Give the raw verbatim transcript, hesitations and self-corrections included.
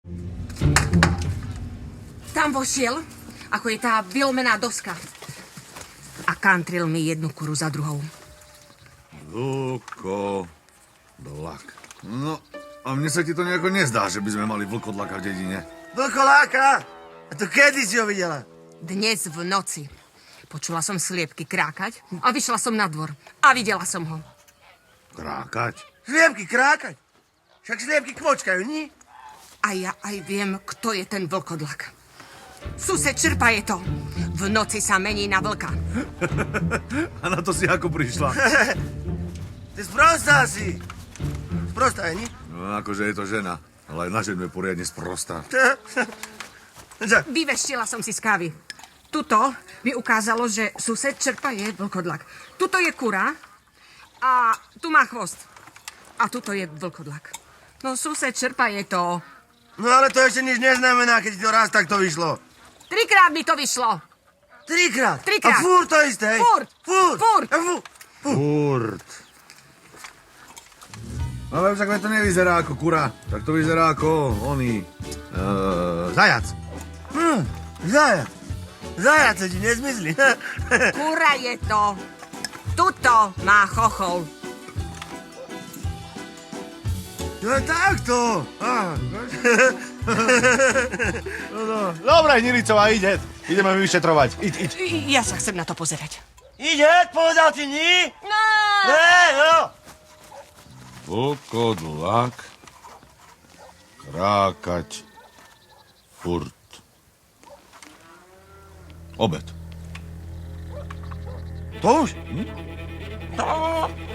Tam vošiel, ako je tá vylomená doska. A kantril mi jednu kuru za druhou. Vlkodlak. No, a mne sa ti to nejako nezdá, že by sme mali vlkodlaka v dedine. Vlkoláka? A to kedy si ho videla? Dnes v noci. Počula som sliepky krákať a vyšla som na dvor. A videla som ho. Krákať? Sliepky krákať? Však sliepky kvočkajú, nie? A ja aj viem, kto je ten vlkodlak. Sused Črpa je to. V noci sa mení na vlka. A na to si ako prišla? Ty sprostá si. Sprostá je, nie? No, akože je to žena, ale aj na ženu je poriadne sprostá. Vyveštila som si z kávy. Tuto mi ukázalo, že sused Črpa je vlkodlak. Tuto je kura a tu má chvost. A tuto je vlkodlak. No sused Črpa je to. No ale to ešte nič neznamená, keď ti to raz takto vyšlo. Trikrát mi to vyšlo. Trikrát? Trikrát. A furt to isté? Furt. Furt. Furt. A fu- Furt. Ale však to nevyzerá ako kura, tak to vyzerá ako oný... Uh, zajac. Hm, zajac. Zajac sa ti nezmyslí. Kura je to. Tuto má chochol. To je takto. Á. Dobre, Niricová, ide. Ideme vyšetrovať. Iď, iď. Ja sa chcem na to pozerať. Ide, povedal ti ní? No. Hej, no. Vlkodlak. Krákať. Furt. Obed. To už? Hm?